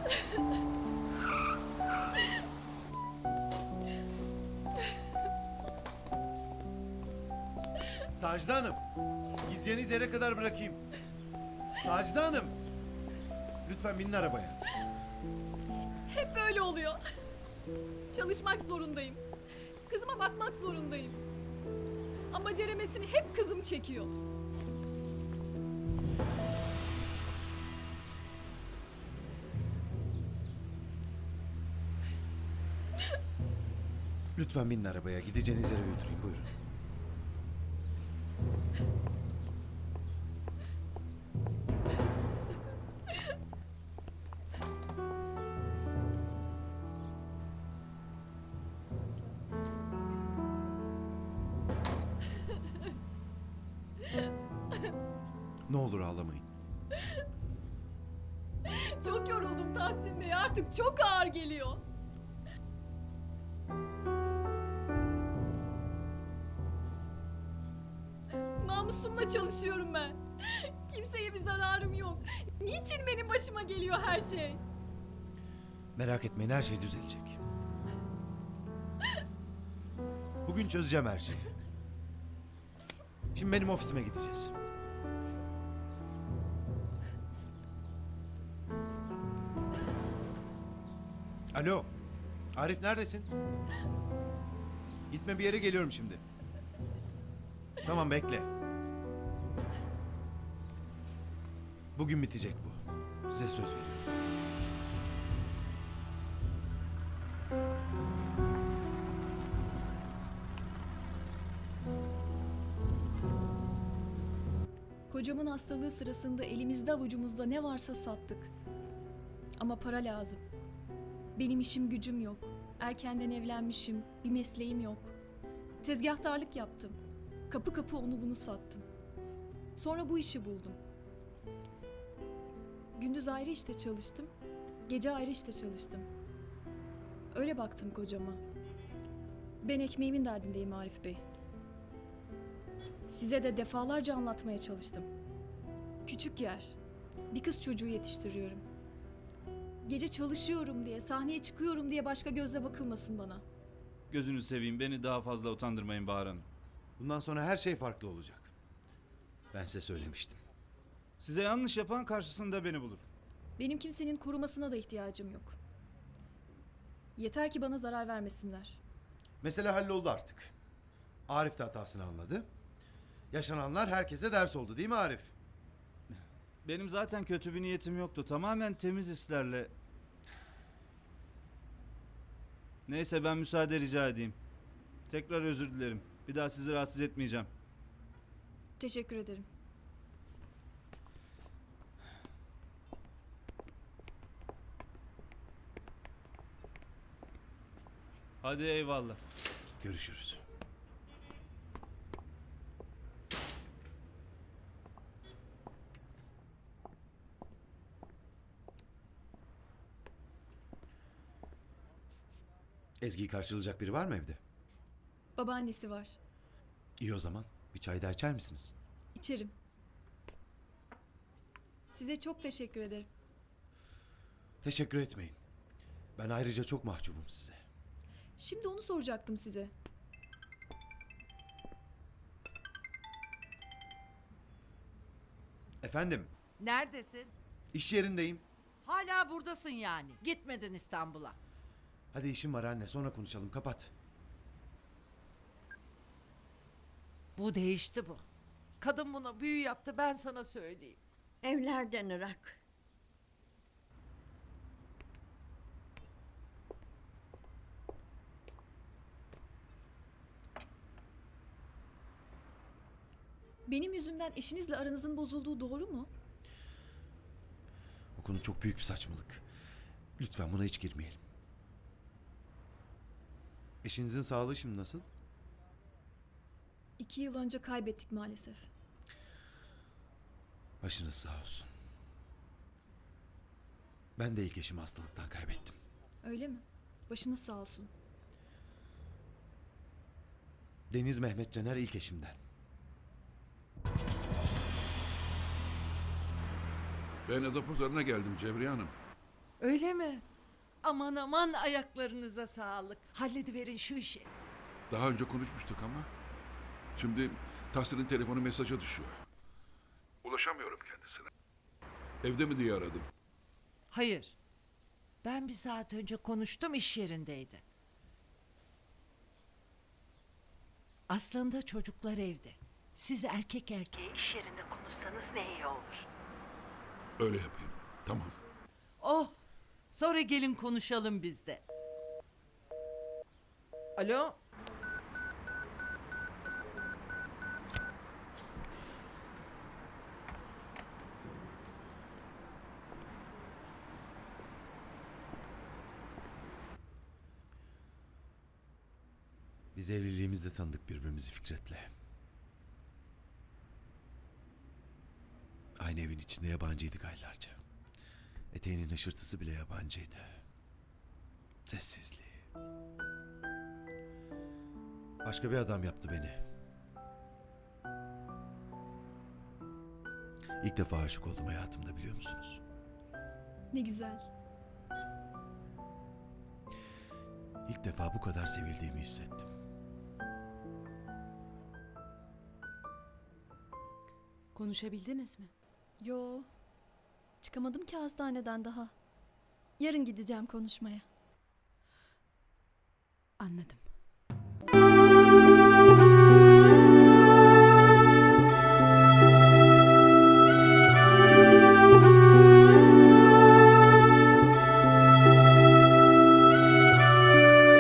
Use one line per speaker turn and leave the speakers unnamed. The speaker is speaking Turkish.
Sacide Hanım, gideceğiniz yere kadar bırakayım. Sacide Hanım, lütfen binin arabaya.
Hep böyle oluyor. Çalışmak zorundayım. Kızıma bakmak zorundayım. Ama ceremesini hep kızım çekiyor.
Lütfen binin arabaya, gideceğiniz yere götüreyim, buyurun. Ne olur ağlamayın.
Çok yoruldum Tahsin Bey. Artık çok ağır geliyor. Namusumla çalışıyorum ben. Kimseye bir zararım yok. Niçin benim başıma geliyor her şey?
Merak etmeyin, her şey düzelecek. Bugün çözeceğim her şeyi. Şimdi benim ofisime gideceğiz. Alo, Arif neredesin? Gitme bir yere, geliyorum şimdi. Tamam, bekle. Bugün bitecek bu. Size söz veriyorum.
Kocamın hastalığı sırasında elimizde avucumuzda ne varsa sattık. Ama para lazım. Benim işim gücüm yok. Erkenden evlenmişim. Bir mesleğim yok. Tezgahtarlık yaptım. Kapı kapı onu bunu sattım. Sonra bu işi buldum. Gündüz ayrı işte çalıştım. Gece ayrı işte çalıştım. Öyle baktım kocama. Ben ekmeğimin derdindeyim Arif Bey. Size de defalarca anlatmaya çalıştım. Küçük yer. Bir kız çocuğu yetiştiriyorum. Gece çalışıyorum diye, sahneye çıkıyorum diye başka gözle bakılmasın bana.
Gözünü seveyim, beni daha fazla utandırmayın Bahar Hanım.
Bundan sonra her şey farklı olacak. Ben size söylemiştim.
Size yanlış yapan karşısında beni bulur.
Benim kimsenin korumasına da ihtiyacım yok. Yeter ki bana zarar vermesinler.
Mesele halloldu artık. Arif de hatasını anladı. Yaşananlar herkese ders oldu, değil mi Arif?
Benim zaten kötü bir niyetim yoktu. Tamamen temiz hislerle. Neyse, ben müsaade rica edeyim. Tekrar özür dilerim. Bir daha sizi rahatsız etmeyeceğim.
Teşekkür ederim.
Hadi eyvallah.
Görüşürüz. Ezgi'yi karşılayacak biri var mı evde?
Babaannesi var.
İyi o zaman. Bir çay daha içer misiniz?
İçerim. Size çok teşekkür ederim.
Teşekkür etmeyin. Ben ayrıca çok mahcubum size.
Şimdi onu soracaktım size.
Efendim,
Neredesin?
iş yerindeyim.
Hala buradasın yani. Gitmedin İstanbul'a.
Hadi işim var anne, sonra konuşalım. Kapat.
Bu değişti bu. Kadın buna büyü yaptı, ben sana söyleyeyim.
Evlerden Irak.
Benim yüzümden eşinizle aranızın bozulduğu doğru mu?
Bu konu çok büyük bir saçmalık. Lütfen buna hiç girmeyelim. Eşinizin sağlığı şimdi nasıl?
2 yıl önce kaybettik maalesef.
Başınız sağ olsun. Ben de ilk eşimi hastalıktan kaybettim.
Öyle mi? Başınız sağ olsun.
Deniz Mehmet Caner ilk eşimden.
Ben Adapazarı'na geldim Cebriye Hanım.
Öyle mi? Aman aman ayaklarınıza sağlık. Hallediverin şu işi.
Daha önce konuşmuştuk ama. Şimdi Tahsin'in telefonu mesaja düşüyor. Ulaşamıyorum kendisine. Evde mi diye aradım.
Hayır. Ben bir saat önce konuştum, iş yerindeydi. Aslında çocuklar evde. Siz erkek erkeğe iş yerinde konuşsanız ne iyi olur.
Öyle yapayım. Tamam.
Oh! Sonra gelin konuşalım biz de. Alo?
Biz evliliğimizde tanıdık birbirimizi Fikret'le. Aynı evin içinde yabancıydık aylarca. Eteğinin hışırtısı bile yabancıydı. Sessizliği. Başka bir adam yaptı beni. İlk defa aşık oldum hayatımda, biliyor musunuz?
Ne güzel.
İlk defa bu kadar sevildiğimi hissettim.
Konuşabildiniz mi?
Yo. Çıkamadım ki hastaneden daha. Yarın gideceğim konuşmaya.
Anladım.